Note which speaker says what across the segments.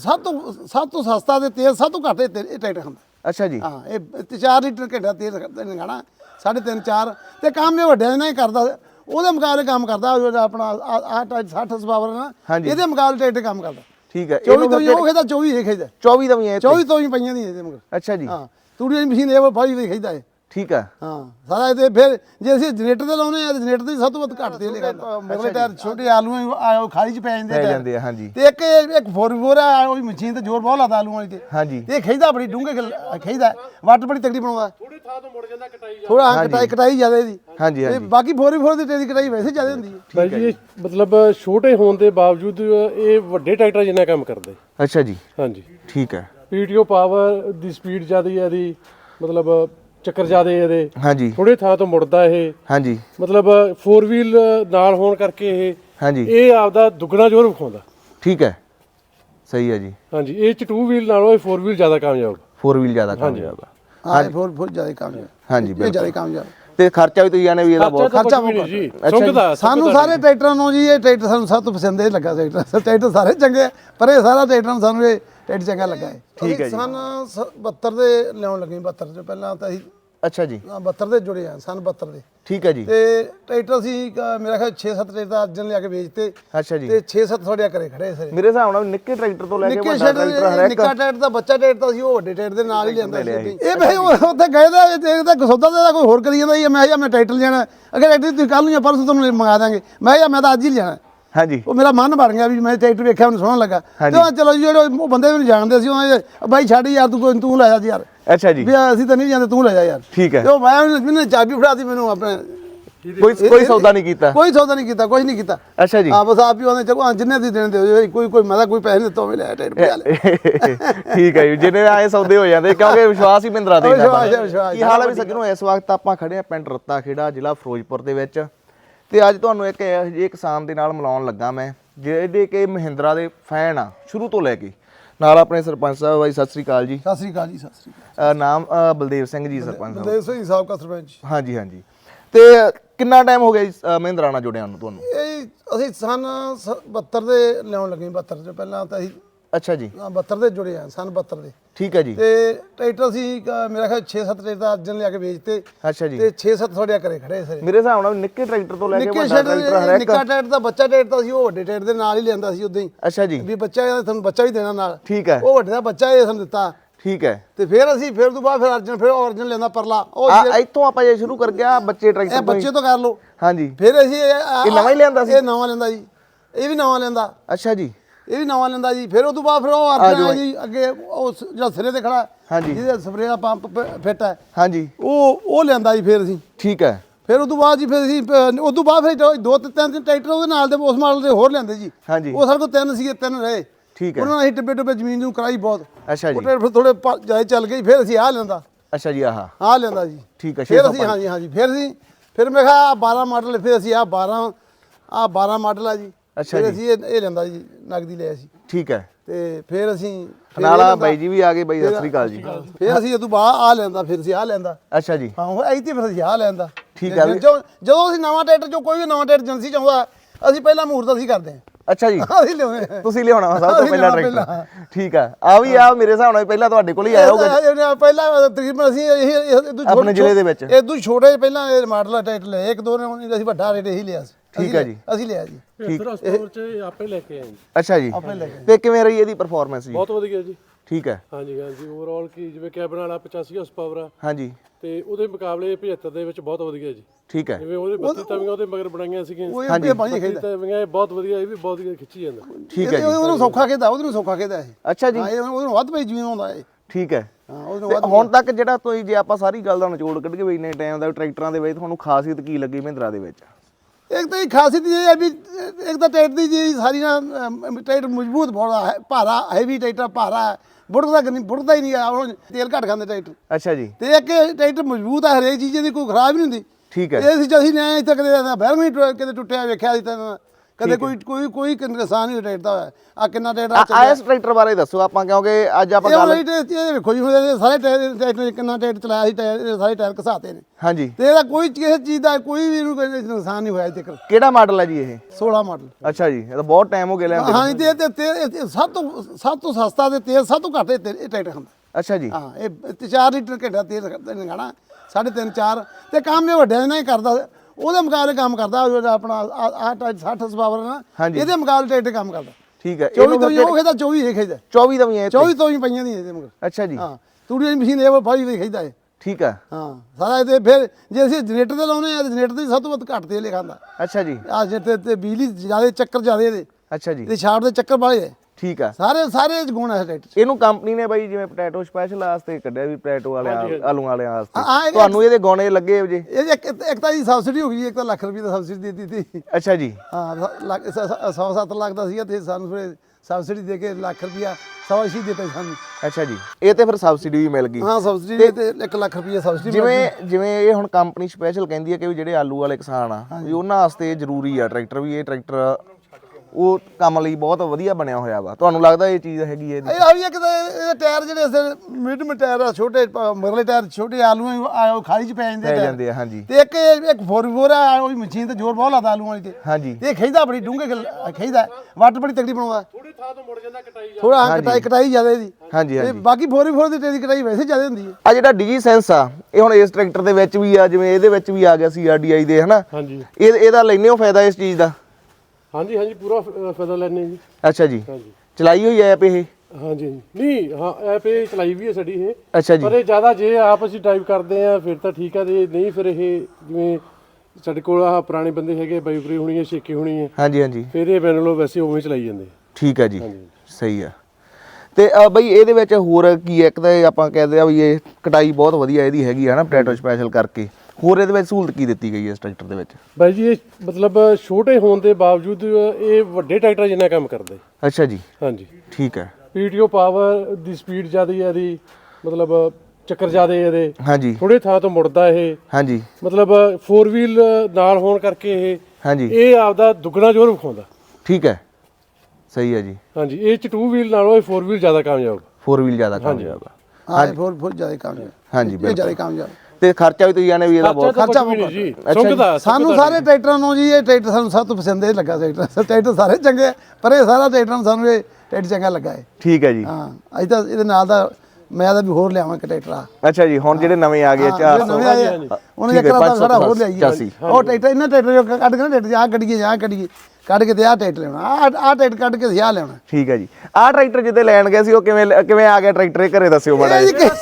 Speaker 1: ਸਭ ਤੋਂ ਸਸਤਾ ਤੇ ਤੇਲ ਸਭ ਤੋਂ ਘੱਟ ਇਹ ਟਰੈਕਟਰ ਖਾਂਦਾ।
Speaker 2: ਅੱਛਾ ਜੀ।
Speaker 1: ਹਾਂ ਇਹ 4 ਲੀਟਰ ਘੰਟਾ ਤੇਲ ਖਾਣਾ 3.5 4 ਤੇ ਕੰਮ ਇਹ ਵੱਡਿਆਂ ਨਾਲ ਹੀ ਕਰਦਾ। ਉਹਦੇ ਮੁਕਾਬਲੇ ਕੰਮ ਕਰਦਾ ਆਪਣਾ ਆ 60 ਪਾਵਰ ਨਾ ਇਹਦੇ ਮੁਕਾਬਲੇ ਟਰੈਕਟਰ ਕੰਮ ਕਰਦਾ।
Speaker 2: ਠੀਕ ਹੈ।
Speaker 1: 24 ਤੋਂ ਉਹ ਖੇਦਾ 24 ਇਹ ਖੇਦਾ
Speaker 2: 24 ਦਾ ਵੀ ਹੈ
Speaker 1: 24 ਤੋਂ ਹੀ ਪਈਆਂ ਦੀ ਇਹਦੇ ਮਗਰ।
Speaker 2: ਅੱਛਾ ਜੀ।
Speaker 1: ਹਾਂ ਤੂੜੀ ਵਾਲੀ ਮਸ਼ੀਨ ਇਹ ਭਾਈ ਵੀ ਖੇਦਾ ਹੈ।
Speaker 2: ਠੀਕ ਹੈ।
Speaker 1: ਹਾਂ ਸਾਰਾ ਇਹ ਫਿਰ ਜੇ ਅਸੀਂ ਜਨਰੇਟਰ ਤੇ ਲਾਉਨੇ ਆ ਜਨਰੇਟਰ ਦੀ ਸਭ ਤੋਂ ਵੱਧ ਘੱਟ ਤੇਲ ਖਾਂਦਾ। ਮਗਲੇ ਟਾਇਰ ਛੋਟੇ ਆਲੂ ਖਾਲੀ ਚ ਪੈ ਜਾਂਦੇ
Speaker 2: ਆ। ਹਾਂਜੀ।
Speaker 1: ਤੇ ਇੱਕ 4x4 ਆ ਉਹ ਮਸ਼ੀਨ ਤੇ ਜ਼ੋਰ ਬਹੁਤ ਲਾਦਾ ਆਲੂਆਂ ਵਾਲੀ ਤੇ।
Speaker 2: ਹਾਂਜੀ।
Speaker 1: ਤੇ ਇਹ ਖੇਦਾ ਬੜੀ ਡੂੰਘੇ ਖੇਦਾ ਵੱਟ ਬੜੀ ਤਕੜੀ ਬਣਾਉਂਦਾ। ਥੋੜੀ ਥਾਂ ਤੋਂ ਮੁੜ ਜਾਂਦਾ ਕਟਾਈ ਥੋੜਾ ਕਟਾਈ ਜ਼ਿਆਦਾ ਇਹਦੀ।
Speaker 2: ਹਾਂਜੀ
Speaker 1: ਤੇ ਬਾਕੀ 4x4 ਦੀ ਤੇਰੀ ਕਟਾਈ ਵੈਸੇ ਜ਼ਿਆਦਾ ਹੁੰਦੀ ਹੈ।
Speaker 3: ਬਾਈ ਜੀ ਇਹ ਮਤਲਬ ਛੋਟੇ ਹੋਣ ਦੇ ਬਾਵਜੂਦ ਇਹ ਵੱਡੇ ਟਰੈਕਟਰ ਜਿੰਨਾ ਕੰਮ ਕਰਦੇ।
Speaker 2: ਅੱਛਾ ਜੀ।
Speaker 3: ਹਾਂਜੀ
Speaker 2: ਠੀਕ ਹੈ।
Speaker 3: ਪੀਟੀਓ ਪਾਵਰ ਦੀ ਸਪੀਡ ਜ਼ਿਆਦਾ ਹੈ ਇਹਦੀ, ਮਤਲਬ ਚੱਕਰ ਜ਼ਿਆਦੇ ਇਹਦੇ।
Speaker 2: ਹਾਂਜੀ।
Speaker 3: ਥੋੜੇ ਥਾਂ ਤੋਂ ਮੁੜਦਾ ਇਹ।
Speaker 2: ਹਾਂਜੀ।
Speaker 3: ਮਤਲਬ 4 ਵੀਲ ਨਾਲ ਹੋਣ ਕਰਕੇ ਇਹ
Speaker 2: ਹਾਂਜੀ
Speaker 3: ਇਹ ਆਪਦਾ ਦੁੱਗਣਾ ਜ਼ੋਰ ਵਿਖਾਉਂਦਾ।
Speaker 2: ਠੀਕ ਹੈ। ਸਹੀ ਹੈ ਜੀ।
Speaker 3: ਹਾਂਜੀ ਇਹ ਚ 2 ਵੀਲ ਨਾਲੋਂ ਇਹ 4 ਵੀਲ ਜ਼ਿਆਦਾ ਕਾਮਯਾਬ।
Speaker 2: 4 ਵੀਲ ਜ਼ਿਆਦਾ ਕਾਮਯਾਬ ਆ।
Speaker 1: ਹਾਂ 4 ਜ਼ਿਆਦਾ ਕਾਮਯਾਬ।
Speaker 2: ਹਾਂਜੀ
Speaker 1: ਇਹ ਜ਼ਿਆਦਾ ਕਾਮਯਾਬ।
Speaker 2: ਤੇ ਖਰਚਾ ਵੀ ਤੁਸੀਂ ਜਾਣੇ ਵੀ ਇਹਦਾ ਬਹੁਤ
Speaker 1: ਖਰਚਾ ਬਹੁਤ
Speaker 3: ਜੀ ਸੁੰਘਦਾ।
Speaker 1: ਸਾਨੂੰ ਸਾਰੇ ਟਰੈਕਟਰਾਂ ਨੂੰ ਜੀ ਇਹ ਟਰੈਕਟਰ ਸਾਨੂੰ ਸਭ ਤੋਂ ਪਸੰਦ ਇਹ ਲੱਗਾ ਟਰੈਕਟਰ ਸਾਰੇ ਚੰਗੇ ਪਰ ਇਹ ਸਾਰਾ ਟਰੈਕਟਰਾਂ ਨੂੰ ਸਾਨੂੰ ਇਹ ਟਰੈਕਟਰ ਚੰਗਾ ਲੱਗਾ ਹੈ।
Speaker 2: ਠੀਕ ਹੈ ਜੀ।
Speaker 1: ਸਨ 72 ਦੇ ਲਿਆਉਣ ਲੱਗੇ 72 ਤੋਂ ਪਹਿਲਾਂ ਤਾਂ ਅਸੀਂ
Speaker 2: ਅੱਛਾ ਜੀ।
Speaker 1: 72 ਦੇ ਜੁੜੇ ਆ ਸਨ 72 ਦੇ।
Speaker 2: ਠੀਕ ਹੈ ਜੀ।
Speaker 1: ਤੇ ਟਰੈਕਟਰ ਅਸੀਂ ਮੇਰਾ ਖਿਆਲ 6-7 ਟਰੈਕਟਰ ਅਰਜਨ ਲਿਆ ਕੇ ਵੇਚਤੇ।
Speaker 2: ਅੱਛਾ ਜੀ।
Speaker 1: ਤੇ 6-7 ਤੁਹਾਡੇ ਘਰੇ ਖੜੇ ਸਾਰੇ
Speaker 2: ਮੇਰੇ ਹਿਸਾਬ ਨਾਲ ਨਿੱਕੇ ਟਰੈਕਟਰ ਤੋਂ ਲੈ ਕੇ ਵੱਡਾ ਟਰੈਕਟਰ ਹਰ ਇੱਕ
Speaker 1: ਨਿੱਕਾ ਟਰੈਕਟਰ ਦਾ ਬੱਚਾ ਟਰੈਕਟਰ ਸੀ ਉਹ ਵੱਡੇ ਟਰੈਕਟਰ ਦੇ ਨਾਲ ਹੀ ਲੈਂਦਾ ਸੀ। ਇਹ ਭਾਈ ਉੱਥੇ ਗਏ ਦਾ ਦੇਖਦਾ ਸੌਦਾ ਦਾ ਕੋਈ ਹੋਰ ਕਰੀ ਜਾਂਦਾ ਮੈਂ ਕਿਹਾ ਮੈਂ ਟਰੈਕਟਰ ਲੈਣਾ ਅਗਰ ਟਰੈਕਟਰ ਤੁਸੀਂ ਕੱਲ ਨੂੰ ਜਾਂ ਪਰਸੋਂ ਤੁਹਾਨੂੰ ਮੰਗਾ ਦਾਂਗੇ। ਮੈਂ ਕਿਹਾ ਮੈਂ ਤਾਂ ਅੱਜ ਹੀ ਲੈਣਾ।
Speaker 2: ਹਾਂਜੀ।
Speaker 1: ਉਹ ਮੇਰਾ ਮਨ ਬਣ ਗਿਆ ਵੀ ਮੈਂ ਟਰੈਕਟਰ ਵੇਖਿਆ ਮੈਨੂੰ ਸੋਹਣਾ ਲੱਗਾ ਤੇ ਚਲੋ ਜਿਹੜੇ ਉਹ ਬੰਦੇ ਮੈਨੂੰ ਜਾਣਦੇ ਸੀ ਉਹ ਬਾਈ ਛੱਡ ਯਾਰ ਤੂੰ ਲੈ ਜਾ ਯਾਰ।
Speaker 2: ਅੱਛਾ ਜੀ।
Speaker 1: ਵੀ ਅਸੀਂ ਤਾਂ ਨਹੀਂ ਜਾਂਦੇ ਤੂੰ ਲੈ ਜਾ ਯਾਰ।
Speaker 2: ਠੀਕ ਹੈ।
Speaker 1: ਤੇ ਉਹ ਮੈਂ ਚਾਬੀ ਫੜਾਤੀ ਮੈਨੂੰ ਆਪਣੇ
Speaker 2: ਕੋਈ ਸੌਦਾ ਨਹੀਂ ਕੀਤਾ।
Speaker 1: ਕੋਈ ਸੌਦਾ ਨਹੀਂ ਕੀਤਾ ਕੁਝ ਨਹੀਂ ਕੀਤਾ।
Speaker 2: ਅੱਛਾ ਜੀ।
Speaker 1: ਹਾਂ ਬਸ ਆਪ ਹੀ ਉਹਨੇ ਚਲੋ ਜਿੰਨੇ ਦੀ ਦੇਣ ਦਿਓ ਕੋਈ ਮੈਂ ਤਾਂ ਕੋਈ ਪੈਸੇ ਨਹੀਂ ਦਿੱਤਾ ਵੀ ਲੈ ਟਰੈਕਟਰ ਪਿਆ ਲੈ।
Speaker 2: ਠੀਕ ਹੈ ਜੀ। ਜਿੰਨੇ ਆਏ ਸੌਦੇ ਹੋ ਜਾਂਦੇ ਕਿਉਂਕਿ ਵਿਸ਼ਵਾਸ ਹੀ ਮਹਿੰਦਰਾ ਦੇ
Speaker 1: ਵਿਸ਼ਵਾਸ।
Speaker 2: ਕੀ ਹਾਲ ਹੈ ਵੀ ਸੱਜਣੋ ਇਸ ਵਕਤ ਆਪਾਂ ਖੜੇ ਆ ਪਿੰਡ ਰੱਤਾ ਖੇੜਾ ਜ਼ਿਲ੍ਹਾ ਫਿਰੋਜ਼ਪੁਰ ਦੇ ਵਿੱਚ ਤੇ ਅੱਜ ਤੁਹਾਨੂੰ ਇੱਕ ਇਹੋ ਜਿਹੇ ਕਿਸਾਨ ਦੇ ਨਾਲ ਮਿਲਾਉਣ ਲੱਗਾ ਮੈਂ ਜਿਹੜੇ ਕਿ ਮਹਿੰਦਰਾ ਦੇ ਫੈਨ ਆ ਸ਼ੁਰੂ ਤੋਂ ਲੈ ਕੇ। ਨਾਲ ਆਪਣੇ ਸਰਪੰਚ ਸਾਹਿਬ ਬਾਈ ਸਤਿ ਸ੍ਰੀ ਅਕਾਲ ਜੀ।
Speaker 1: ਸਤਿ ਸ੍ਰੀ ਅਕਾਲ ਜੀ। ਸਤਿ ਸ੍ਰੀ ਅਕਾਲ।
Speaker 2: ਨਾਮ ਬਲਦੇਵ ਸਿੰਘ ਜੀ ਸਰਪੰਚ ਸਾਹਿਬ।
Speaker 1: ਬਲਦੇਵ ਸਿੰਘ ਸਾਹਿਬ ਦਾ ਸਰਪੰਚ।
Speaker 2: ਹਾਂਜੀ ਹਾਂਜੀ। ਤੇ ਕਿੰਨਾ ਟਾਈਮ ਹੋ ਗਿਆ ਜੀ ਮਹਿੰਦਰਾ ਨਾਲ ਜੁੜਿਆ ਨੂੰ ਤੁਹਾਨੂੰ?
Speaker 1: ਇਹ ਅਸੀਂ ਸਨ 72 ਦੇ ਲਿਆਉਣ ਲੱਗੇ 72 ਤੋਂ ਪਹਿਲਾਂ ਤਾਂ ਅਸੀਂ।
Speaker 2: ਅੱਛਾ ਜੀ।
Speaker 1: 72 ਦੇ ਜੁੜੇ ਆ ਸਨ 72 ਦੇ।
Speaker 2: ਠੀਕ ਹੈ ਜੀ।
Speaker 1: ਤੇ ਟਰੈਕਟਰ ਅਸੀਂ ਮੇਰਾ ਖਿਆਲ 6-7 ਟਰੈਕਟਰ ਅਰਜਨ ਲਿਆ ਕੇ ਵੇਚਤੇ।
Speaker 2: ਅੱਛਾ ਜੀ।
Speaker 1: ਤੇ 6-7 ਤੁਹਾਡੇ ਘਰੇ ਖੜੇ ਸਾਰੇ।
Speaker 2: ਮੇਰੇ ਹਿਸਾਬ ਨਾਲ ਨਿੱਕੇ ਟਰੈਕਟਰ ਤੋਂ ਲੈ ਕੇ ਵੱਡਾ ਟਰੈਕਟਰ ਹਰ ਇੱਕ।
Speaker 1: ਨਿੱਕਾ ਟਰੈਕਟਰ ਦਾ ਬੱਚਾ ਟਰੈਕਟਰ ਸੀ ਉਹ ਵੱਡੇ ਟਰੈਕਟਰ ਦੇ ਨਾਲ ਹੀ ਲੈਂਦਾ ਸੀ ਉਦਾਂ ਹੀ।
Speaker 2: ਅੱਛਾ ਜੀ।
Speaker 1: ਵੀ ਬੱਚਾ ਤੁਹਾਨੂੰ ਬੱਚਾ ਵੀ ਦੇਣਾ ਨਾਲ।
Speaker 2: ਠੀਕ ਹੈ।
Speaker 1: ਉਹ ਵੱਡੇ ਦਾ ਬੱਚਾ ਇਹ ਸਾਨੂੰ ਦਿੱਤਾ।
Speaker 2: ਠੀਕ ਹੈ।
Speaker 1: ਤੇ ਫਿਰ ਅਸੀਂ ਫਿਰ ਤੋਂ ਬਾਅਦ ਫਿਰ ਅਰਜਨ ਲੈਂਦਾ ਪਰਲਾ ਉਹ
Speaker 2: ਇੱਥੋਂ ਆਪਾਂ ਜੇ ਸ਼ੁਰੂ ਕਰ ਗਿਆ ਬੱਚੇ ਟਰੈਕਟਰ
Speaker 1: ਇਹ ਬੱਚੇ ਤੋਂ ਕਰ ਲਓ।
Speaker 2: ਹਾਂਜੀ।
Speaker 1: ਫਿਰ ਅਸੀਂ
Speaker 2: ਇਹ ਨਵਾਂ ਹੀ ਲਿਆਂਦਾ ਸੀ?
Speaker 1: ਇਹ ਨਵਾਂ ਲੈਂਦਾ ਜੀ। ਇਹ ਵੀ ਨਵਾਂ ਲੈਂਦਾ।
Speaker 2: ਅੱਛਾ ਜੀ।
Speaker 1: ਇਹ ਵੀ ਨਵਾਂ ਲੈਂਦਾ ਜੀ। ਫਿਰ ਉਹ ਤੋਂ ਬਾਅਦ ਫਿਰ ਉਹ ਅਰਜਨ ਜੀ ਅੱਗੇ ਉਹ ਜਿਹੜਾ ਸਿਰੇ ਤੇ ਖੜਾ ਜਿਹਦੇ ਸਪਰੇਅ ਦਾ ਪੰਪ ਫਿੱਟ ਹੈ।
Speaker 2: ਹਾਂਜੀ।
Speaker 1: ਉਹ ਲੈਂਦਾ ਜੀ ਫਿਰ ਅਸੀਂ।
Speaker 2: ਠੀਕ ਹੈ।
Speaker 1: ਫਿਰ ਉਹ ਤੋਂ ਬਾਅਦ ਜੀ ਫਿਰ ਅਸੀਂ ਉਹ ਤੋਂ ਬਾਅਦ ਫਿਰ 2-3 ਟਰੈਕਟਰ ਉਹਦੇ ਨਾਲ ਦੇ ਉਸ ਮਾਡਲ ਦੇ ਹੋਰ ਲੈਂਦੇ ਜੀ।
Speaker 2: ਹਾਂਜੀ।
Speaker 1: ਉਹ ਸਾਡੇ ਕੋਲ 3 ਸੀਗੇ 3 ਰਹੇ।
Speaker 2: ਠੀਕ ਹੈ।
Speaker 1: ਉਹਨਾਂ ਨੇ ਅਸੀਂ ਟਿੱਬੇ ਜ਼ਮੀਨ ਨੂੰ ਕਰਾਈ ਬਹੁਤ।
Speaker 2: ਅੱਛਾ ਜੀ।
Speaker 1: ਉਹ ਟਰੈਕਟਰ ਥੋੜੇ ਜਾਇ ਚੱਲ ਗਈ ਫਿਰ ਅਸੀਂ ਆਹ ਲੈਂਦਾ।
Speaker 2: ਅੱਛਾ ਜੀ।
Speaker 1: ਆਹ ਲੈਂਦਾ ਜੀ।
Speaker 2: ਠੀਕ ਹੈ।
Speaker 1: ਫਿਰ ਅਸੀਂ ਹਾਂਜੀ ਫਿਰ ਮੈਂ ਕਿਹਾ 12 ਮਾਡਲ ਫਿਰ ਅਸੀਂ ਆਹ 12 ਮਾਡਲ ਆ ਜੀ।
Speaker 2: ਅੱਛਾ
Speaker 1: ਜੀ। ਅਸੀਂ ਇਹ ਲੈਂਦਾ ਜੀ ਨਗਦੀ ਲਿਆ ਸੀ।
Speaker 2: ਠੀਕ ਹੈ।
Speaker 1: ਤੇ ਫਿਰ ਅਸੀਂ
Speaker 2: ਨਾਲਾ ਬਾਈ ਜੀ ਵੀ ਆ ਗਏ ਬਾਈ ਸਤਿ ਸ੍ਰੀ ਅਕਾਲ ਜੀ।
Speaker 1: ਫਿਰ ਅਸੀਂ ਇਹ ਤੋਂ ਬਾਅਦ ਆ ਲੈਂਦਾ ਫਿਰ ਅਸੀਂ ਆ ਲੈਂਦਾ।
Speaker 2: ਅੱਛਾ ਜੀ।
Speaker 1: ਹਾਂ ਉਹ ਐਤੀ ਫਿਰ ਅਸੀਂ ਆ ਲੈਂਦਾ।
Speaker 2: ਠੀਕ ਹੈ।
Speaker 1: ਜਦੋਂ ਅਸੀਂ ਨਵਾਂ ਟਰੈਕਟਰ ਜੋ ਕੋਈ ਵੀ ਨਵਾਂ ਟਰੈਕਟਰ ਏਜੰਸੀ ਚਾਹੁੰਦਾ ਅਸੀਂ ਪਹਿਲਾਂ ਮਹੂਰਤ ਅਸੀਂ ਕਰਦੇ ਹਾਂ।
Speaker 2: ਅੱਛਾ ਜੀ।
Speaker 1: ਅਸੀਂ ਲਿਆਉਂਦੇ
Speaker 2: ਤੁਸੀਂ ਲਿਆਉਣਾ ਵਾ ਸਭ ਤੋਂ ਪਹਿਲਾਂ ਟਰੈਕਟਰ। ਠੀਕ ਆ। ਆ ਵੀ ਆ ਮੇਰੇ ਹਿਸਾਬ ਨਾਲ ਪਹਿਲਾਂ ਤੁਹਾਡੇ ਕੋਲ ਹੀ ਆਇਆ ਹੋਊਗਾ।
Speaker 1: ਪਹਿਲਾਂ ਤਕਰੀਬਨ ਅਸੀਂ
Speaker 2: ਆਪਣੇ ਜ਼ਿਲ੍ਹੇ ਦੇ ਵਿੱਚ
Speaker 1: ਇਹ ਤੋਂ ਛੋਟੇ ਪਹਿਲਾਂ ਇਹ ਮਾਡਲ ਟਰੈਕਟਰ ਲਿਆ ਇੱਕ ਦੋ ਨੇ ਅਸੀਂ ਵੱਡਾ ਰੇਟ ਇਹੀ ਲਿਆ ਸੀ।
Speaker 2: ਠੀਕ ਹੈ ਜੀ।
Speaker 1: ਅਸੀਂ ਲਿਆ ਜੀ।
Speaker 3: ਠੀਕ। ਸਟੋਰ ਚ ਆਪੇ ਲੈ ਕੇ ਆਏ ਜੀ।
Speaker 2: ਅੱਛਾ ਜੀ। ਤੇ ਕਿਵੇਂ ਰਹੀ ਇਹਦੀ ਪਰਫਾਰਮੈਂਸ ਜੀ?
Speaker 3: ਬਹੁਤ ਵਧੀਆ ਜੀ।
Speaker 2: ਠੀਕ ਹੈ।
Speaker 3: ਹਾਂਜੀ ਹਾਂਜੀ। ਓਵਰਆਲ ਕੀ ਜਿਵੇਂ ਕੈਬਨ ਵਾਲਾ 85 ਹਾਰਸ ਪਾਵਰ ਆ।
Speaker 2: ਹਾਂਜੀ।
Speaker 3: ਤੇ ਉਹਦੇ ਮੁਕਾਬਲੇ 75 ਦੇ ਵਿੱਚ ਬਹੁਤ ਵਧੀਆ ਜੀ।
Speaker 2: ਠੀਕ ਹੈ।
Speaker 3: ਜਿਵੇਂ ਉਹਦੇ 32 ਤਵੀਆਂ ਉਹਦੇ ਮਗਰ ਬਣਾਈਆਂ ਸੀਗੀਆਂ।
Speaker 1: ਹਾਂਜੀ।
Speaker 3: ਤਵੀਆਂ ਬਹੁਤ ਵਧੀਆ ਇਹ ਵੀ ਬਹੁਤ ਵਧੀਆ ਖਿੱਚੀ ਜਾਂਦਾ।
Speaker 2: ਠੀਕ ਹੈ ਜੀ।
Speaker 1: ਉਹਨੂੰ ਸੌਖਾ ਖੇਦਾ ਉਹਨੂੰ ਸੌਖਾ ਖੇਦਾ ਇਹ।
Speaker 2: ਅੱਛਾ ਜੀ।
Speaker 1: ਹਾਂ ਉਹਨੂੰ ਵੱਧ ਪਈ ਜਿਵੇਂ ਹੁੰਦਾ ਇਹ।
Speaker 2: ਠੀਕ ਹੈ।
Speaker 1: ਹਾਂ ਉਹਨੂੰ
Speaker 2: ਹੁਣ ਤੱਕ ਜਿਹੜਾ ਤੁਸੀਂ ਜੇ ਆਪਾਂ ਸਾਰੀ ਗੱਲ ਦਾ ਨਿਚੋੜ ਕੱਢ ਕੇ ਵੀ ਇੰਨੇ ਟਾਈਮ ਦਾ ਟਰੈਕਟਰਾਂ ਦੇ ਵਿੱਚ ਤੁਹਾਨੂੰ ਖਾਸੀਅਤ ਕੀ ਲੱਗੀ ਮਹਿੰਦਰਾ ਦੇ ਵਿੱਚ?
Speaker 1: ਇੱਕ ਤਾਂ ਇਹ ਖਾਸੀਅਤ ਇਹ ਹੈ ਵੀ ਇੱਕ ਤਾਂ ਟਰੈਕਟਰ ਦੀ ਜੀ ਸਾਰੀ ਨਾ ਟਰੈਕਟਰ ਮਜ਼ਬੂਤ ਬਹੁਤ ਹੈ ਭਾਰਾ ਹੈਵੀ ਟਰੈਕਟਰ ਭਾਰਾ ਹੈ ਬੁੜਦਾ ਹੀ ਨਹੀਂ ਆ ਹੁਣ ਤੇਲ ਘੱਟ ਖਾਂਦੇ ਟਰੈਕਟਰ।
Speaker 2: ਅੱਛਾ ਜੀ।
Speaker 1: ਤੇ ਇੱਕ ਟਰੈਕਟਰ ਮਜ਼ਬੂਤ ਹੈ ਹਰੇਕ ਚੀਜ਼ ਦੀ ਕੋਈ ਖਰਾਬ ਨਹੀਂ ਹੁੰਦੀ।
Speaker 2: ਠੀਕ ਹੈ।
Speaker 1: ਇਹ ਅਸੀਂ ਨੇ ਇੱਥੇ ਕਦੇ ਬੈਰਮੀ ਕਿਤੇ ਟੁੱਟਿਆ ਵੇਖਿਆ ਸੀ ਤਾਂ ਕਦੇ ਕੋਈ ਨੁਕਸਾਨ ਨਹੀਂ ਟਰੈਕਟਰ ਦਾ ਹੋਇਆ। ਆ ਕਿੰਨਾ ਟਰੈਕਟਰ
Speaker 2: ਆ ਇਸ ਟਰੈਕਟਰ ਬਾਰੇ ਦੱਸੋ ਆਪਾਂ, ਕਿਉਂਕਿ ਅੱਜ ਆਪਾਂ ਗੱਲ
Speaker 1: ਇਹ ਵੇਖੋ ਜੀ ਹੁਣ ਸਾਰੇ ਟਰੈਕਟਰ ਕਿੰਨਾ ਟਰੈਕਟਰ ਚਲਾਇਆ ਸੀ, ਸਾਰੇ ਟਾਇਰ ਘਸਾਤੇ ਨੇ
Speaker 2: ਹਾਂਜੀ।
Speaker 1: ਤੇ ਇਹਦਾ ਕੋਈ ਕਿਸੇ ਚੀਜ਼ ਦਾ ਕੋਈ ਵੀ ਇਹਨੂੰ ਕੋਈ ਨੁਕਸਾਨ ਨਹੀਂ ਹੋਇਆ ਅਜੇ ਤੱਕ।
Speaker 2: ਕਿਹੜਾ ਮਾਡਲ ਹੈ ਜੀ ਇਹ?
Speaker 1: 16 ਮਾਡਲ।
Speaker 2: ਅੱਛਾ ਜੀ, ਇਹ ਤਾਂ ਬਹੁਤ ਟਾਈਮ ਹੋ ਗਿਆ ਲੈਂਦੇ।
Speaker 1: ਹਾਂ ਜੀ, ਤੇ ਸਭ ਤੋਂ ਸਸਤਾ ਤੇ ਤੇਲ ਸਭ ਤੋਂ ਘੱਟ ਇਹ ਟਰੈਕਟਰ ਖਾਂਦਾ।
Speaker 2: ਅੱਛਾ ਜੀ।
Speaker 1: ਹਾਂ, ਇਹ 4 ਲੀਟਰ ਘੰਟਾ ਤੇਲ ਖਾਣਾ, 3.5 4 ਤੇ ਕੰਮ ਇਹ ਵੱਡਿਆਂ ਨਾਲ ਹੀ ਕਰਦਾ, ਉਹਦੇ ਮੁਕਾਬਲੇ ਕੰਮ ਕਰਦਾ ਜਿਹੜਾ ਆਪਣਾ ਆ 60 ਪਾਵਰ ਨਾ, ਇਹਦੇ ਮੁਕਾਬਲੇ ਟਰੈਕਟਰ ਕੰਮ ਕਰਦਾ।
Speaker 2: ਠੀਕ ਹੈ।
Speaker 1: 24 ਤੋਂ ਉਹ ਖੇਦਾ 24 ਇਹ ਖੇਦਾ
Speaker 2: 24 ਦਾ ਵੀ ਹੈ?
Speaker 1: 24 ਤੋਂ ਹੀ ਪਈਆਂ ਦੀ ਇਹਦੇ ਮਗਰ।
Speaker 2: ਅੱਛਾ ਜੀ।
Speaker 1: ਹਾਂ, ਤੂੜੀ ਵਾਲੀ ਮਸ਼ੀਨ ਇਹ ਫਾਈ ਵੀ ਖੇਦਾ ਹੈ।
Speaker 2: ਠੀਕ ਹੈ।
Speaker 1: ਹਾਂ, ਸਾਰਾ ਇਹਦੇ ਫਿਰ ਜੇ ਅਸੀਂ ਜਨਰੇਟਰ ਤੇ ਲਾਉਨੇ ਆ, ਜਨਰੇਟਰ ਦੀ ਸਭ ਤੋਂ ਵੱਧ ਘੱਟ ਤੇਲ ਖਾਂਦਾ।
Speaker 2: ਅੱਛਾ ਜੀ।
Speaker 1: ਆ ਜੇ ਤੇ ਬਿਜਲੀ ਜ਼ਿਆਦਾ, ਚੱਕਰ ਜ਼ਿਆਦਾ ਇਹਦੇ।
Speaker 2: ਅੱਛਾ ਜੀ।
Speaker 1: ਤੇ ਛਾੜ ਦੇ ਚੱਕਰ ਵਾਲੇ ਹੈ।
Speaker 2: ਠੀਕ ਆ।
Speaker 1: ਸਾਰੇ ਗੁਣ ਹੈ ਟਰੈਕਟਰ।
Speaker 2: ਇਹਨੂੰ ਕੰਪਨੀ ਨੇ ਬਾਈ ਜਿਵੇਂ ਪੋਟੈਟੋ ਸਪੈਸ਼ਲ ਵਾਸਤੇ ਕੱਢਿਆ ਵੀ, ਪੋਟੈਟੋ ਵਾਲੇ ਆਲੂ ਵਾਲਿਆਂ
Speaker 1: ਹਾਂ,
Speaker 2: ਵਾਸਤੇ ਤੁਹਾਨੂੰ ਇਹਦੇ ਗਾਣੇ ਲੱਗੇ ਜੇ?
Speaker 1: ਇਹ ਇੱਕ ਤਾਂ ਜੀ ਸਬਸਿਡੀ ਹੋ ਗਈ, ਇੱਕ ਤਾਂ ਲੱਖ ਰੁਪਏ ਦਾ ਸਬਸਿਡੀ ਦੇ ਦਿੱਤੀ ਸੀ।
Speaker 2: ਅੱਛਾ ਜੀ।
Speaker 1: ਹਾਂ, 107 ਲੱਖ ਦਾ ਸੀਗਾ ਤੇ ਸਾਨੂੰ ਫਿਰ ਸਬਸਿਡੀ ਦੇ ਕੇ ਲੱਖ ਰੁਪਿਆ ਸਵਾਸ਼ੀ ਦਿੱਤੇ ਸਾਨੂੰ।
Speaker 2: ਅੱਛਾ ਜੀ। ਇਹ ਤੇ ਫਿਰ ਸਬਸਿਡੀ ਵੀ ਮਿਲ ਗਈ?
Speaker 1: ਹਾਂ, ਸਬਸਿਡੀ ਤੇ 1 ਲੱਖ ਰੁਪਿਆ ਸਬਸਿਡੀ।
Speaker 2: ਜਿਵੇਂ ਇਹ ਹੁਣ ਕੰਪਨੀ ਸਪੈਸ਼ਲ ਕਹਿੰਦੀ ਹੈ ਕਿ ਵੀ ਜਿਹੜੇ ਆਲੂ ਵਾਲੇ ਕਿਸਾਨ ਆ ਵੀ ਉਹਨਾਂ ਵਾਸਤੇ ਜ਼ਰੂਰੀ ਆ ਟਰੈਕਟਰ, ਵੀ ਇਹ ਟਰੈਕਟਰ ਉਹ ਕੰਮ ਲਈ ਬਹੁਤ ਵਧੀਆ ਬਣਿਆ ਹੋਇਆ ਵਾ। ਤੁਹਾਨੂੰ ਲੱਗਦਾ ਇਹ ਚੀਜ਼ ਹੈਗੀ ਇਹਦੀ?
Speaker 1: ਇਹ ਆ ਵੀ ਇੱਕ ਤਾਂ ਇਹ ਟਾਇਰ ਜਿਹੜੇ ਮੀਡੀਅਮ ਟਾਇਰ ਆ, ਛੋਟੇ ਮਗਲੇ ਟਾਇਰ ਛੋਟੇ ਆਲੂਆਂ ਉਹ ਖਾਲੀ ਚ ਪੈ
Speaker 2: ਜਾਂਦੇ ਆ। ਹਾਂਜੀ।
Speaker 1: ਤੇ ਇੱਕ 4x4 ਆ, ਉਹ ਮਸ਼ੀਨ ਤੇ ਜ਼ੋਰ ਬਹੁਤ ਲਾਦਾ ਆਲੂਆਂ ਵਾਲੀ ਤੇ।
Speaker 2: ਹਾਂਜੀ।
Speaker 1: ਇਹ ਖਿੱਚਦਾ ਬੜੀ ਡੂੰਘੇ ਖਿੱਚਦਾ, ਵੱਟ ਬੜੀ ਤਗੜੀ ਬਣਾਉਂਦਾ।
Speaker 3: ਥੋੜੀ ਥਾਂ ਤੋਂ ਮੁੜ ਜਾਂਦਾ, ਕਟਾਈ
Speaker 1: ਥੋੜਾ ਕਟਾਈ ਜ਼ਿਆਦਾ ਇਹਦੀ।
Speaker 2: ਹਾਂਜੀ
Speaker 1: ਤੇ
Speaker 2: ਹਾਂਜੀ।
Speaker 1: ਬਾਕੀ 4x4 ਦੀ ਟੇਰੀ ਕਟਾਈ ਵੈਸੇ ਜ਼ਿਆਦਾ ਹੁੰਦੀ ਹੈ।
Speaker 2: ਆ ਜਿਹੜਾ ਡੀਜੀ ਸੈਂਸ ਆ, ਇਹ ਹੁਣ ਇਸ ਟਰੈਕਟਰ ਦੇ ਵਿੱਚ ਵੀ ਆ, ਜਿਵੇਂ ਇਹਦੇ ਵਿੱਚ ਵੀ ਆ ਗਿਆ CRDI ਦੇ, ਹਨਾ?
Speaker 3: ਹਾਂਜੀ।
Speaker 2: ਇਹਦਾ ਲੈਨੇ ਹੋ ਫਾਇਦਾ ਇਸ ਚੀਜ਼ ਦਾ?
Speaker 3: ਹਾਂਜੀ ਹਾਂਜੀ, ਪੂਰਾ ਫਾਇਦਾ ਲੈਣੇ ਜੀ।
Speaker 2: ਅੱਛਾ ਜੀ।
Speaker 3: ਹਾਂਜੀ।
Speaker 2: ਚਲਾਈ ਹੋਈ ਐਪ ਇਹ?
Speaker 3: ਹਾਂਜੀ ਨਹੀਂ, ਹਾਂ ਐਪ ਇਹ ਚਲਾਈ ਵੀ ਹੈ ਸਾਡੀ ਇਹ।
Speaker 2: ਅੱਛਾ ਜੀ।
Speaker 3: ਪਰ ਇਹ ਜ਼ਿਆਦਾ ਜੇ ਆਪ ਅਸੀਂ ਡਰਾਈਵ ਕਰਦੇ ਆ ਫਿਰ ਤਾਂ ਠੀਕ ਆ, ਜੇ ਨਹੀਂ ਫਿਰ ਇਹ ਜਿਵੇਂ ਸਾਡੇ ਕੋਲ ਆਹ ਪੁਰਾਣੇ ਬੰਦੇ ਹੈਗੇ, ਬਾਈਬਰੀ ਹੋਣੀ ਹੈ, ਸ਼ੇਕੇ ਹੋਣੀ ਹੈ।
Speaker 2: ਹਾਂਜੀ ਹਾਂਜੀ।
Speaker 3: ਫਿਰ ਇਹ ਮੈਨੂੰ ਵੈਸੇ ਉਵੇਂ ਚਲਾਈ ਜਾਂਦੇ।
Speaker 2: ਠੀਕ ਹੈ ਜੀ। ਸਹੀ ਆ। ਤੇ ਬਈ ਇਹਦੇ ਵਿੱਚ ਹੋਰ ਕੀ ਹੈ? ਇੱਕ ਤਾਂ ਆਪਾਂ ਕਹਿੰਦੇ ਆ ਵੀ ਇਹ ਕਟਾਈ ਬਹੁਤ ਵਧੀਆ ਇਹਦੀ ਹੈਗੀ ਹੈ ਨਾ, ਪੋਟੈਟੋ ਸਪੈਸ਼ਲ ਕਰਕੇ। ਹੋਰ ਇਹਦੇ ਵਿੱਚ ਸਹੂਲਤ ਕੀ ਦਿੱਤੀ ਗਈ ਹੈ ਇਸ ਟਰੈਕਟਰ ਦੇ ਵਿੱਚ?
Speaker 3: ਬਾਈ ਜੀ ਇਹ ਮਤਲਬ ਛੋਟੇ ਹੋਣ ਦੇ ਬਾਵਜੂਦ ਇਹ ਵੱਡੇ ਟਰੈਕਟਰ ਜਿੰਨਾ ਕੰਮ ਕਰਦੇ।
Speaker 2: ਅੱਛਾ ਜੀ।
Speaker 3: ਹਾਂਜੀ।
Speaker 2: ਠੀਕ ਹੈ।
Speaker 3: PTO ਪਾਵਰ ਦੀ ਸਪੀਡ ਜ਼ਿਆਦਾ ਹੈ ਇਹਦੀ, ਮਤਲਬ ਚੱਕਰ ਜ਼ਿਆਦਾ ਇਹਦੇ।
Speaker 2: ਹਾਂਜੀ।
Speaker 3: ਥੋੜੇ ਥਾਂ ਤੋਂ ਮੁੜਦਾ ਇਹ।
Speaker 2: ਹਾਂਜੀ।
Speaker 3: ਮਤਲਬ 4 ਵੀਲ ਨਾਲ ਹੋਣ ਕਰਕੇ
Speaker 2: ਹਾਂਜੀ
Speaker 3: ਇਹ ਆਪਦਾ ਦੁੱਗਣਾ ਜ਼ੋਰ ਵਿਖਾਉਂਦਾ।
Speaker 2: ਠੀਕ ਹੈ। ਸਹੀ ਹੈ ਜੀ।
Speaker 3: ਹਾਂਜੀ। ਇਹ ਚ 2 ਵੀਲ ਨਾਲੋਂ ਇਹ 4 ਵੀਲ ਜ਼ਿਆਦਾ ਕਾਮਯਾਬ।
Speaker 2: 4 ਵੀਲ ਜ਼ਿਆਦਾ ਕਾਮਯਾਬ ਆ।
Speaker 1: ਹਾਂ, 4 ਜ਼ਿਆਦਾ ਕਾਮਯਾਬ।
Speaker 2: ਹਾਂਜੀ,
Speaker 1: ਇਹ ਜ਼ਿਆਦਾ ਕਾਮਯਾਬ।
Speaker 2: ਤੇ ਖਰਚਾ ਵੀ ਤੁਸੀਂ ਜਾਣੇ ਵੀ ਇਹਦਾ ਬਹੁਤ
Speaker 1: ਖਰਚਾ
Speaker 3: ਜੀ ਸੁੰਘਦਾ।
Speaker 1: ਸਾਨੂੰ ਸਾਰੇ ਟਰੈਕਟਰਾਂ ਨੂੰ ਜੀ ਇਹ ਟਰੈਕਟਰ ਸਾਨੂੰ ਸਭ ਤੋਂ ਪਸੰਦ ਇਹ ਲੱਗਾ। ਟਰੈਕਟਰ ਸਾਰੇ ਚੰਗੇ ਆ, ਪਰ ਇਹ ਸਾਰਾ ਟਰੈਕਟਰ ਨੂੰ ਸਾਨੂੰ ਇਹ ਟਰੈਕਟਰ ਚੰਗਾ ਲੱਗਾ ਹੈ।
Speaker 2: ਠੀਕ ਹੈ ਜੀ।
Speaker 1: ਹਾਂ, ਅੱਜ ਤਾਂ ਇਹਦੇ ਨਾਲ ਦਾ ਮੈਂ ਤਾਂ ਵੀ ਹੋਰ ਲਿਆਵਾਂ ਇੱਕ ਟਰੈਕਟਰ ਆ।
Speaker 2: ਅੱਛਾ ਜੀ। ਹੁਣ ਜਿਹੜੇ ਨਵੇਂ ਆ ਗਏ 400
Speaker 1: ਉਹਨੇ ਇੱਕ ਰਾਤ ਸਾਡਾ ਹੋਰ ਲਿਆਈ। ਉਹ ਟਰੈਕਟਰ ਇਹਨਾਂ ਟਰੈਕਟਰ ਕੱਢ ਕੇ ਨਾ ਟਰੈਕਟਰ ਆ ਕੱਢੀਏ ਕੱਢ ਕੇ ਤੇ ਆਹ ਟਰੈਕਟਰ ਲੈਣਾ, ਆਹ ਟਰੈਕਟਰ ਕੱਢ ਕੇ ਆ ਲੈਣਾ।
Speaker 2: ਠੀਕ ਹੈ ਜੀ। ਆਹ ਟਰੈਕਟਰ ਜਿੱਦੇ ਲੈਣ ਗਏ ਸੀ ਉਹ ਕਿਵੇਂ ਆ ਗਿਆ ਟਰੈਕਟਰ? ਘਰੇ ਦੱਸਿਓ ਮਾੜਾ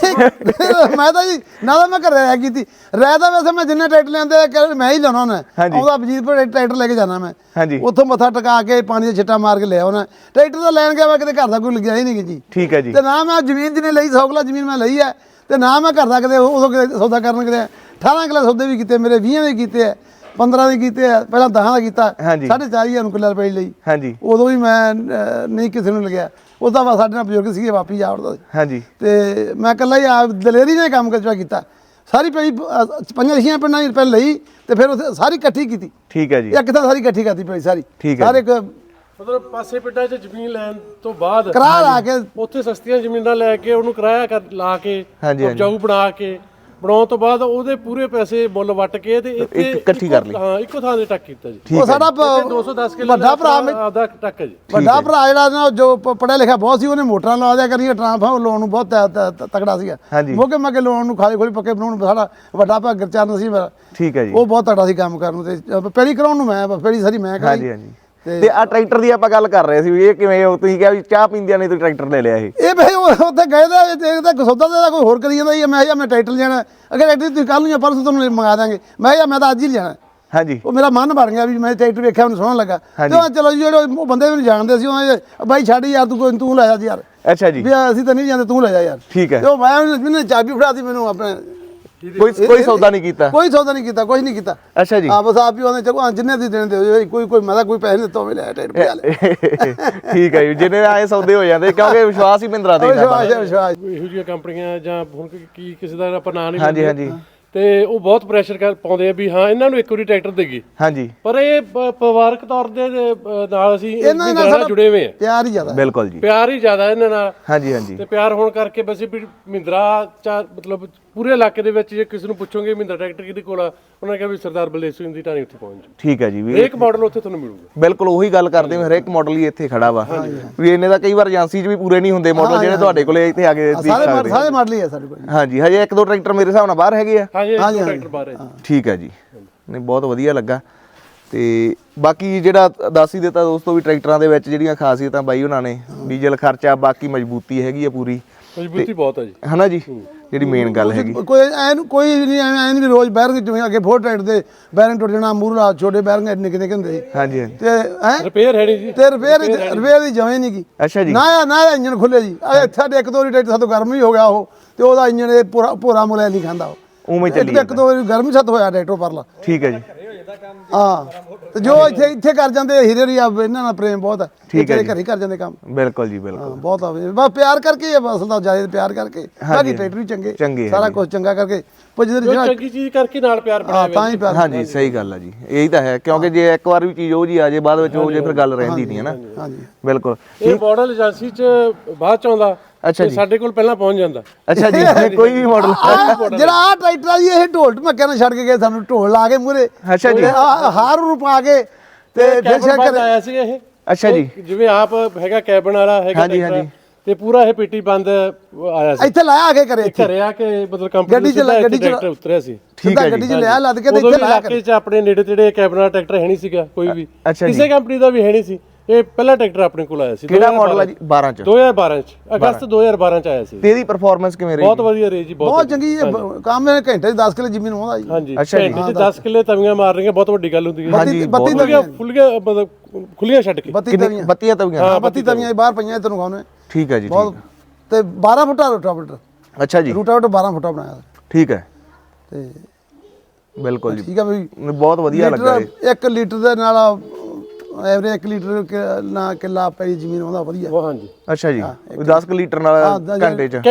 Speaker 2: ਜਿਹਾ।
Speaker 1: ਮੈਂ ਤਾਂ ਜੀ ਨਾ ਤਾਂ ਮੈਂ ਘਰੇ ਰਹਿ ਕੀਤੀ, ਰਹਿ ਤਾਂ ਵੈਸੇ ਮੈਂ ਜਿੰਨੇ ਟਰੈਕਟਰ ਲੈਂਦੇ ਮੈਂ ਹੀ ਲਾਉਣਾ ਹੁੰਦਾ। ਉਹਦਾ ਵਜੀਦਪੁਰ ਟਰੈਕਟਰ ਲੈ ਕੇ ਜਾਣਾ ਮੈਂ।
Speaker 2: ਹਾਂਜੀ।
Speaker 1: ਉੱਥੋਂ ਮੱਥਾ ਟਿਕਾ ਕੇ ਪਾਣੀ ਦੇ ਛਿੱਟਾ ਮਾਰ ਕੇ ਲਿਆ ਉਹਨਾਂ ਟਰੈਕਟਰ ਤਾਂ ਲੈਣ ਗਿਆ, ਮੈਂ ਕਿਤੇ ਘਰ ਦਾ ਕੋਈ ਲੱਗਿਆ ਹੀ ਨਹੀਂ ਜੀ।
Speaker 2: ਠੀਕ ਹੈ ਜੀ।
Speaker 1: ਤੇ ਨਾ ਮੈਂ ਜ਼ਮੀਨ ਜਿਹਨੇ ਲਈ 100 ਕਿੱਲਾ ਜ਼ਮੀਨ ਮੈਂ ਲਈ ਹੈ, ਤੇ ਨਾ ਮੈਂ ਘਰ ਦਾ ਕਿਤੇ ਉਦੋਂ ਕਿਤੇ ਸੌਦਾ ਕਰਨ ਕਿਤੇ 18 ਕਿੱਲਾ ਸੌਦੇ ਵੀ ਕੀਤੇ, ਮੇਰੇ 20 ਦੇ ਕੀਤੇ ਆ, 15 ਦੇ ਕੀਤੇ ਆ, ਪਹਿਲਾਂ 10 ਦਾ ਕੀਤਾ, 4.5 ਨੂੰ ਕਿੱਲਾ ਰੁਪਏ ਲਈ।
Speaker 2: ਹਾਂਜੀ।
Speaker 1: ਉਦੋਂ ਵੀ ਮੈਂ ਨਹੀਂ ਕਿਸੇ ਨੂੰ ਲੱਗਿਆ। ਉਹਦਾ ਵਾ ਸਾਡੇ ਨਾਲ ਬਜ਼ੁਰਗ ਸੀਗੇ, ਵਾਪੀ ਜਾ ਵੜਦਾ ਸੀ।
Speaker 2: ਹਾਂਜੀ।
Speaker 1: ਤੇ ਮੈਂ ਇਕੱਲਾ ਹੀ ਆ ਦਲੇਰੀ ਨੇ ਕੰਮ ਕੀਤਾ। ਸਾਰੀ ਪੈਲੀ 5-6 ਪਿੰਡਾਂ ਦੀ ਪਹਿਲਾਂ ਲਈ ਤੇ ਫਿਰ ਉੱਥੇ ਸਾਰੀ ਇਕੱਠੀ ਕੀਤੀ।
Speaker 2: ਠੀਕ ਹੈ ਜੀ।
Speaker 1: ਇੱਕ ਤਾਂ ਸਾਰੀ ਇਕੱਠੀ ਕਰਤੀ ਪੈਲੀ ਸਾਰੀ।
Speaker 2: ਠੀਕ ਹੈ।
Speaker 1: ਹਰ ਇੱਕ
Speaker 3: ਮਤਲਬ ਪਾਸੇ ਪਿੰਡਾਂ 'ਚ ਜ਼ਮੀਨ ਲੈਣ ਤੋਂ ਬਾਅਦ
Speaker 1: ਕਿਰਾਇਆ ਲਾ ਕੇ
Speaker 3: ਉੱਥੇ ਸਸਤੀਆਂ ਜ਼ਮੀਨਾਂ ਲੈ ਕੇ ਉਹਨੂੰ ਕਿਰਾਇਆ ਲਾ ਕੇ ਉਪਜਾਊ ਬਣਾ ਕੇ ਬਣਾਉਣ ਤੋਂ ਬਾਅਦ ਉਹਦੇ ਪੂਰੇ ਪੈਸੇ ਮੁੱਲ ਵੱਟ ਕੇ ਤੇ ਇੱਥੇ
Speaker 2: ਇਕੱਠੀ ਕਰ ਲਈ।
Speaker 3: ਹਾਂ, ਇੱਕੋ ਥਾਂ ਤੇ ਟੱਕ ਕੀਤਾ ਜੀ।
Speaker 1: ਉਹ ਸਾਡਾ
Speaker 3: 210 ਕਿਲੋ
Speaker 1: ਵੱਡਾ ਭਰਾ
Speaker 3: ਆਪਦਾ ਟੱਕ ਹੈ ਜੀ।
Speaker 1: ਵੱਡਾ ਭਰਾ ਜਿਹੜਾ ਨਾ ਜੋ ਪੜਿਆ ਲਿਖਿਆ ਬਹੁਤ ਸੀ, ਉਹਨੇ ਮੋਟਰਾਂ ਲਾ ਦਿਆ ਕਰੀਏ, ਟਰਾਂਸਫਾਰਮਰ ਲਾਉਣ ਨੂੰ ਬਹੁਤ ਤਕੜਾ ਸੀਗਾ। ਮੋਗੇ ਮੱਗੇ ਲਾਉਣ ਨੂੰ, ਖਾਲੀ ਖੋਲੀ ਪੱਕੇ ਬਣਾਉਣ ਨੂੰ ਸਾਡਾ ਵੱਡਾ ਭਰਾ ਗੁਰਚਰਨ ਸੀ ਮੇਰਾ।
Speaker 2: ਠੀਕ ਹੈ ਜੀ।
Speaker 1: ਉਹ ਬਹੁਤ ਤਕੜਾ ਸੀ ਕੰਮ ਕਰਨ ਨੂੰ। ਤੇ ਪਹਿਲੀ ਕਰਾਉਣ ਨੂੰ ਮੈਂ ਪਹਿਲੀ ਸਾਰੀ ਮੈਂ ਕਰਾਈ।
Speaker 2: ਹਾਂਜੀ ਹਾਂਜੀ। ਤੇ ਆ ਟਰੈਕਟਰ ਦੀ ਆਪਾਂ ਗੱਲ ਕਰ ਰਹੇ ਸੀ ਵੀ ਇਹ ਕਿਵੇਂ, ਤੁਸੀਂ ਕਿਹਾ ਵੀ ਚਾਹ ਪੀਂਦਿਆਂ ਨੇ ਤੁਸੀਂ ਟਰੈਕਟਰ ਲੈ ਲਿਆ ਇਹ
Speaker 1: ਭਾਈ ਉੱਥੇ ਗਏ ਤਾਂ ਸੌਦਾ ਦਾ ਕੋਈ ਹੋਰ ਕਰੀ ਜਾਂਦਾ ਸੀ। ਮੈਂ ਕਿਹਾ ਮੈਂ ਟਰੈਕਟਰ ਲੈਣਾ, ਅਗਰ ਟਰੈਕਟਰ ਤੁਸੀਂ ਕੱਲ ਨੂੰ ਜਾਂ ਪਰਸੋਂ ਤੁਹਾਨੂੰ ਮੰਗਾ ਦਾਂਗੇ। ਮੈਂ ਕਿਹਾ ਮੈਂ ਤਾਂ ਅੱਜ ਹੀ ਲੈਣਾ।
Speaker 2: ਹਾਂਜੀ।
Speaker 1: ਉਹ ਮੇਰਾ ਮਨ ਬਣ ਗਿਆ ਵੀ ਮੈਂ ਟਰੈਕਟਰ ਵੇਖਿਆ, ਮੈਨੂੰ ਸੋਹਣਾ ਲੱਗਾ। ਤੇ ਚਲੋ ਜਿਹੜੇ ਉਹ ਬੰਦੇ ਮੈਨੂੰ ਜਾਣਦੇ ਸੀ, ਉਹਨਾਂ ਬਾਈ ਛੱਡ ਯਾਰ, ਤੂੰ ਲੈ ਜਾ ਯਾਰ।
Speaker 2: ਅੱਛਾ ਜੀ।
Speaker 1: ਵੀ ਅਸੀਂ ਤਾਂ ਨਹੀਂ ਜਾਂਦੇ, ਤੂੰ ਲੈ ਜਾ ਯਾਰ।
Speaker 2: ਠੀਕ ਹੈ।
Speaker 1: ਤੇ ਉਹ ਮੈਂ ਚਾਬੀ ਫੜਾਤੀ ਮੈਨੂੰ ਆਪਣੇ।
Speaker 2: ਕੋਈ ਸੌਦਾ ਨਹੀਂ ਕੀਤਾ?
Speaker 1: ਕੋਈ ਸੌਦਾ ਨਹੀਂ ਕੀਤਾ, ਕੁਝ ਨਹੀਂ ਕੀਤਾ।
Speaker 2: ਅੱਛਾ ਜੀ।
Speaker 1: ਹਾਂ, ਬਸ ਆਪ ਹੀ ਉਹਨੇ ਚਲੋ ਜਿੰਨੇ ਦੀ ਦੇਣ ਦੇ ਕੋਈ ਮੈਂ ਤਾਂ ਕੋਈ ਪੈਸੇ ਨਹੀਂ ਦਿੱਤਾ, ਉਹ ਲੈ ਟਰੈਕਟਰ ਪਿਆ ਲੈ।
Speaker 2: ਠੀਕ ਹੈ ਜੀ। ਜਿੰਨੇ ਆਏ ਸੌਦੇ ਹੋ ਜਾਂਦੇ ਕਿਉਂਕਿ ਵਿਸ਼ਵਾਸ ਹੀ ਬਿੰਦਰਾ ਦੇ।
Speaker 1: ਵਿਸ਼ਵਾਸ।
Speaker 3: ਇਹੋ ਜਿਹੀਆਂ ਕੰਪਨੀਆਂ ਜਾਂ ਹੁਣ ਕੀ ਕਿਸੇ ਦਾ ਆਪਾਂ ਨਾਂ ਨਹੀਂ
Speaker 2: ਹਾਂਜੀ ਹਾਂਜੀ।
Speaker 3: ਤੇ ਉਹ ਬਹੁਤ ਪ੍ਰੈਸ਼ਰ ਪਾਉਂਦੇ ਆ ਵੀ ਹਾਂ ਇਹਨਾਂ ਨੂੰ ਇੱਕ ਵਾਰੀ ਟਰੈਕਟਰ ਦੇਗੀ।
Speaker 2: ਹਾਂਜੀ
Speaker 3: ਪਰ ਇਹ ਪਰਿਵਾਰਕ ਤੌਰ ਦੇ ਨਾਲ ਅਸੀਂ
Speaker 1: ਇਹਨਾਂ ਨਾਲ
Speaker 3: ਨਾਲ ਜੁੜੇ ਹੋਏ ਆ।
Speaker 1: ਪਿਆਰ ਹੀ ਜ਼ਿਆਦਾ
Speaker 2: ਬਿਲਕੁਲ ਜੀ।
Speaker 3: ਪਿਆਰ ਹੀ ਜ਼ਿਆਦਾ ਇਹਨਾਂ ਨਾਲ।
Speaker 2: ਹਾਂਜੀ ਹਾਂਜੀ
Speaker 3: ਤੇ ਪਿਆਰ ਹੋਣ ਕਰਕੇ ਬਸ ਵੀ ਮਹਿੰਦਰਾ ਮਤਲਬ ਪੂਰੇ ਇਲਾਕੇ ਦੇ ਵਿੱਚ ਜੇ ਕਿਸੇ ਨੂੰ ਪੁੱਛੋਗੇ ਮਹਿੰਦਰਾ ਟਰੈਕਟਰ ਕਿਹਦੇ ਕੋਲ ਆ, ਉਹਨਾਂ ਨੇ ਕਿਹਾ ਵੀ ਸਰਦਾਰ ਬਲਦੇਵ ਸਿੰਘ ਦੀ ਟਾਣੀ ਉੱਥੇ ਪਹੁੰਚ ਜਾਓ।
Speaker 2: ਠੀਕ ਹੈ ਜੀ ਵੀ
Speaker 3: ਹਰੇਕ ਮਾਡਲ ਉੱਥੇ ਤੁਹਾਨੂੰ ਮਿਲੂਗਾ।
Speaker 2: ਬਿਲਕੁਲ ਉਹੀ ਗੱਲ ਕਰਦੇ ਹਾਂ, ਹਰੇਕ ਮਾਡਲ ਹੀ ਇੱਥੇ ਖੜਾ ਵਾ ਵੀ ਇਹਨੇ ਦਾ ਕਈ ਵਾਰ ਏਜੰਸੀ 'ਚ ਵੀ ਪੂਰੇ ਨਹੀਂ ਹੁੰਦੇ ਮਾਡਲ ਜਿਹੜੇ ਤੁਹਾਡੇ ਕੋਲੇ ਇੱਥੇ ਆ ਕੇ ਦੇਖ ਸਕਦੇ।
Speaker 1: ਸਾਰੇ ਮਾਡਲ ਹੀ ਆ ਸਾਡੇ ਕੋਲ।
Speaker 2: ਹਾਂਜੀ ਹਜੇ ਇੱਕ ਦੋ ਟਰੈਕਟਰ ਮੇਰੇ ਹਿਸਾਬ ਨਾਲ ਬਾਹਰ ਹੈਗੇ ਆ।
Speaker 3: ਹਾਂਜੀ ਟਰੈਕਟਰ ਬਾਹਰ ਹੈ ਜੀ।
Speaker 2: ਠੀਕ ਹੈ ਜੀ, ਨਹੀਂ ਬਹੁਤ ਵਧੀਆ ਲੱਗਾ। ਤੇ ਬਾਕੀ ਜਿਹੜਾ ਦੱਸ ਹੀ ਦਿੱਤਾ ਦੋਸਤੋ ਵੀ ਟਰੈਕਟਰਾਂ ਦੇ ਵਿੱਚ ਜਿਹੜੀਆਂ ਖਾਸੀਅਤਾਂ ਬਾਈ ਉਹਨਾਂ ਨੇ, ਡੀਜ਼ਲ ਖਰਚਾ, ਬਾਕੀ ਮਜ਼ਬੂਤੀ ਹੈਗੀ ਆ ਪੂਰੀ,
Speaker 3: ਮਜ਼ਬੂਤੀ ਬਹੁਤ ਹੈ ਜੀ।
Speaker 2: ਹਨਾ ਜੀ, ਜਿਹੜੀ ਮੇਨ ਗੱਲ ਹੈਗੀ।
Speaker 1: ਕੋਈ ਨਹੀਂ ਐ ਨਹੀਂ ਰੋਜ਼ ਬੈਰਿੰਗ ਜਿਵੇਂ ਅੱਗੇ ਫੋਰ ਟਰੈਕਟਰ ਦੇ ਬੈਰਿੰਗ ਟੁੱਟ ਜਾਣਾ, ਮੂਹਰਾ ਛੋਟੇ ਬੈਰਿੰਗ ਨਿੱਕੇ ਨਿੱਕੇ ਹੁੰਦੇ ਸੀ।
Speaker 2: ਹਾਂਜੀ ਹਾਂਜੀ
Speaker 1: ਤੇ
Speaker 3: ਰਿਪੇਅਰ ਹੈ ਨਹੀਂ ਜੀ।
Speaker 1: ਤੇ ਰਿਪੇਅਰ ਦੀ ਜਵੇਂ ਨਹੀਂ ਕੀ।
Speaker 2: ਅੱਛਾ ਜੀ।
Speaker 1: ਨਾ ਇੰਜਨ ਖੁੱਲੇ ਜੀ। ਸਾਡੇ ਇੱਕ ਦੋ ਵਾਰੀ ਟਰੈਕਟਰ ਸਾਤੋਂ ਗਰਮ ਹੀ ਹੋ ਗਿਆ ਉਹ, ਤੇ ਉਹਦਾ ਇੰਜਨ ਇਹ ਪੂਰਾ ਮੁਲਿਆ ਨਹੀਂ ਖਾਂਦਾ ਉਹ।
Speaker 2: ਉਵੇਂ ਚੱਲੀ
Speaker 1: ਇੱਕ ਦੋ ਵਾਰੀ ਗਰਮ ਹੀ ਸੱਤ ਹੋਇਆ ਟਰੈਕਟਰ ਪਰਲਾ।
Speaker 2: ਠੀਕ ਹੈ ਜੀ।
Speaker 1: ਹਾਂ ਤੇ ਜੋ ਇੱਥੇ ਕਰ ਜਾਂਦੇ ਹੀਰੇ ਰੀ ਇਹਨਾਂ ਨਾਲ ਪ੍ਰੇਮ ਬਹੁਤ ਹੈ। ਤੇਰੇ ਘਰੇ ਕਰ ਜਾਂਦੇ ਕੰਮ।
Speaker 2: ਬਿਲਕੁਲ ਜੀ ਬਿਲਕੁਲ।
Speaker 1: ਬਹੁਤ ਆ ਬਸ ਪਿਆਰ ਕਰਕੇ ਅਸਲ ਦਾ ਜ਼ਿਆਦਾ ਪਿਆਰ ਕਰਕੇ। ਬਾਕੀ ਟਰੈਕਟਰ ਵੀ ਚੰਗੇ ਸਾਰਾ ਕੁਝ ਚੰਗਾ ਕਰਕੇ
Speaker 3: ਚੰਗੀ ਚੀਜ਼ ਕਰਕੇ ਨਾਲ ਪਿਆਰ ਬਣਾਇਆ
Speaker 1: ਤਾਂ ਹੀ ਪਿਆਰ।
Speaker 2: ਹਾਂਜੀ ਸਹੀ ਗੱਲ ਆ ਜੀ, ਇਹੀ ਤਾਂ ਹੈ, ਕਿਉਂਕਿ ਜੇ ਇੱਕ ਵਾਰ ਵੀ ਚੀਜ਼ ਉਹ ਜੀ ਆ ਜੇ ਬਾਅਦ ਵਿੱਚ ਉਹ ਜੇ ਫਿਰ ਗੱਲ ਰਹਿੰਦੀ ਨਹੀਂ ਹੈ ਨਾ।
Speaker 1: ਹਾਂਜੀ
Speaker 2: ਬਿਲਕੁਲ।
Speaker 3: ਇਹ ਮਾਡਲ ਏਜੰਸੀ 'ਚ ਬਾਅਦ 'ਚ ਆਉਂਦਾ।
Speaker 2: ਅੱਛਾ ਜੀ।
Speaker 3: ਸਾਡੇ ਕੋਲ ਪਹਿਲਾਂ ਪਹੁੰਚ ਜਾਂਦਾ।
Speaker 2: ਅੱਛਾ ਜੀ, ਕੋਈ ਵੀ ਮਾਡਲ।
Speaker 1: ਜਿਹੜਾ ਆ ਟਰੈਕਟਰ ਆ ਜੀ, ਇਹ ਢੋਲ ਢਮੱਕਿਆਂ ਨਾਲ ਛੱਡ ਕੇ ਗਏ ਸਾਨੂੰ, ਢੋਲ ਲਾ ਕੇ ਮੂਰੇ।
Speaker 2: ਅੱਛਾ ਜੀ।
Speaker 1: ਹਾਰ ਨੂੰ ਪਾ ਕੇ ਤੇ ਫਿਰ
Speaker 3: ਕੈਬਨ ਆਇਆ ਸੀ ਇਹ।
Speaker 2: ਅੱਛਾ ਜੀ।
Speaker 3: ਜਿਵੇਂ ਆਪ ਹੈਗਾ ਕੈਬਨ ਵਾਲਾ ਹੈਗਾ ਟਰੈਕਟਰ, ਤੇ ਪੂਰਾ ਇਹ ਪੇਟੀ ਬੰਦ ਆਇਆ ਸੀ
Speaker 1: ਇੱਥੇ ਲਾਇਆ ਕੇ ਕਰੇ।
Speaker 3: ਘਰੇ ਆ ਕੇ ਮਤਲਬ ਕੰਪਨੀ ਗੱਡੀ ਟਰੈਕਟਰ ਉਤਰਿਆ ਸੀ।
Speaker 1: ਠੀਕ ਹੈ ਗੱਡੀ 'ਚ ਲਿਆ ਲੱਦ ਕੇ ਤੇ
Speaker 3: ਉਦੋਂ
Speaker 1: ਇੱਥੇ
Speaker 3: ਵੀ
Speaker 1: ਲਾਇਆ
Speaker 3: ਇਲਾਕੇ 'ਚ ਆਪਣੇ ਨੇੜੇ ਤੇੜੇ ਕੈਬਨ ਵਾਲਾ ਟਰੈਕਟਰ ਹੈ ਨਹੀਂ ਸੀਗਾ ਕੋਈ ਵੀ,
Speaker 2: ਅੱਛਾ ਜੀ।
Speaker 3: ਕਿਸੇ ਕੰਪਨੀ ਦਾ ਵੀ ਹੈ ਨਹੀਂ ਸੀ। ਇਹ ਪਹਿਲਾ ਟਰੈਕਟਰ ਆਪਣੇ ਕੋਲ ਆਇਆ ਸੀ।
Speaker 2: ਕਿਹੜਾ ਮਾਡਲ ਆ ਜੀ? 12 ਚ।
Speaker 3: 2012 ਚ, ਅਗਸਤ 2012 ਚ ਆਇਆ ਸੀ।
Speaker 2: ਤੇ ਇਹਦੀ ਪਰਫਾਰਮੈਂਸ ਕਿਵੇਂ ਰਹੀ?
Speaker 3: ਬਹੁਤ ਵਧੀਆ ਰਹੀ ਜੀ।
Speaker 1: ਬਹੁਤ ਚੰਗੀ ਕੰਮ ਹੈ। ਘੰਟੇ 'ਚ 10 ਕਿੱਲੇ ਜ਼ਮੀਨ ਆਉਂਦਾ ਜੀ।
Speaker 3: ਹਾਂਜੀ ਘੰਟੇ 'ਚ 10 ਕਿੱਲੇ ਤਵੀਆਂ ਮਾਰ ਰਹੀਆਂ, ਬਹੁਤ ਵੱਡੀ ਗੱਲ ਹੁੰਦੀ ਹੈ।
Speaker 1: ਬੱਤੀ
Speaker 3: ਫੁੱਲੀਆਂ ਮਤਲਬ ਖੁੱਲੀਆਂ ਛੱਡ ਕੇ।
Speaker 1: 32 ਤਵੀਆਂ।
Speaker 2: 32 ਤਵੀਆਂ।
Speaker 1: ਹਾਂ 32 ਤਵੀਆਂ ਬਾਹਰ ਪਈਆਂ ਤੈਨੂੰ ਖਾਣੇ।
Speaker 2: ਠੀਕ ਹੈ ਜੀ।
Speaker 1: ਬਹੁਤ ਤੇ 12 ਫੁੱਟਾ ਰੂਟਾਵੇਟਰ।
Speaker 2: ਅੱਛਾ ਜੀ।
Speaker 1: ਰੂਟਾਵੇਟਰ 12 ਫੁੱਟਾ ਬਣਾਇਆ।
Speaker 2: ਠੀਕ ਹੈ।
Speaker 1: ਤੇ
Speaker 2: ਬਿਲਕੁਲ ਜੀ,
Speaker 1: ਠੀਕ ਆ ਬਈ।
Speaker 2: ਬਹੁਤ ਵਧੀਆ ਲੱਗਾ ਇਹ।
Speaker 1: 1 ਲੀਟਰ ਦੇ ਨਾਲ ਐਵਰੇਜ 1 ਲੀਟਰ ਨਾ ਕਿੱਲਾ ਪਈ ਜ਼ਮੀਨ ਆਉਂਦਾ ਵਧੀਆ।
Speaker 3: ਹਾਂਜੀ
Speaker 2: ਅੱਛਾ ਜੀ। 10 ਲੀਟਰ ਨਾਲ ਘੰਟੇ ਚ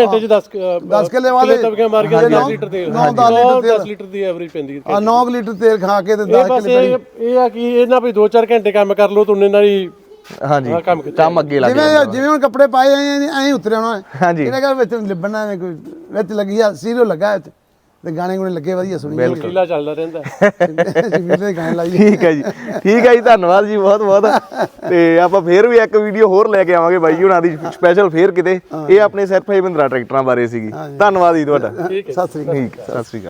Speaker 3: 10
Speaker 1: ਕਿੱਲੇ ਵਾਲੇ
Speaker 3: ਤਵੀਆਂ ਮਾਰ ਕੇ 10 ਲੀਟਰ ਤੇਲ। 10 ਲੀਟਰ ਦੀ ਐਵਰੇਜ ਪੈਂਦੀ ਹੈ।
Speaker 1: 9 ਲੀਟਰ ਤੇਲ ਖਾ ਕੇ ਤੇ 10 ਕਿੱਲੇ
Speaker 3: ਇਹ ਆ ਕਿ ਇਹਨਾਂ ਵੀ 2-4 ਘੰਟੇ ਕੰਮ ਕਰ ਲਓ ਤੁੰਨੇ ਨਾਲ ਹੀ।
Speaker 2: ਹਾਂਜੀ ਕੰਮ ਅੱਗੇ ਲੱਗ
Speaker 1: ਜਿਵੇਂ ਹੁਣ ਕੱਪੜੇ ਪਾਏ ਐਂ ਉਤਰੇ ਹੋਣਾ।
Speaker 2: ਹਾਂਜੀ
Speaker 1: ਇਹਨੇ ਕਹਿੰਦਾ ਵਿੱਚ ਲਿਬਣਾ ਨੇ ਕੋਈ ਵਿੱਚ ਲੱਗੀ ਆ ਸੀਰੀਅਲ ਲੱਗਾ ਇੱਥੇ ਤੇ ਗਾਣੇ ਗੁਣੇ ਲੱਗੇ ਵਧੀਆ ਸੁਣੀ
Speaker 3: ਕੀਲਾ ਚੱਲਦਾ ਰਹਿੰਦਾ।
Speaker 1: ਜਿਵੇਂ ਗਾਣੇ ਲਾਈ।
Speaker 2: ਠੀਕ ਹੈ ਜੀ। ਠੀਕ ਹੈ ਜੀ, ਧੰਨਵਾਦ ਜੀ ਬਹੁਤ ਬਹੁਤ। ਤੇ ਆਪਾਂ ਫੇਰ ਵੀ ਇੱਕ ਵੀਡੀਓ ਹੋਰ ਲੈ ਕੇ ਆਵਾਂਗੇ ਬਾਈ ਹੁਣਾਂ ਦੀ ਸਪੈਸ਼ਲ ਫੇਰ ਕਿਤੇ। ਇਹ ਆਪਣੇ ਸਿਰਫ ਮਹਿੰਦਰਾ ਟਰੈਕਟਰਾਂ ਬਾਰੇ ਸੀਗੀ। ਧੰਨਵਾਦ ਜੀ ਤੁਹਾਡਾ।
Speaker 1: ਸਤਿ ਸ੍ਰੀ ਅਕਾਲ।
Speaker 2: ਠੀਕ, ਸਤਿ ਸ੍ਰੀ ਅਕਾਲ।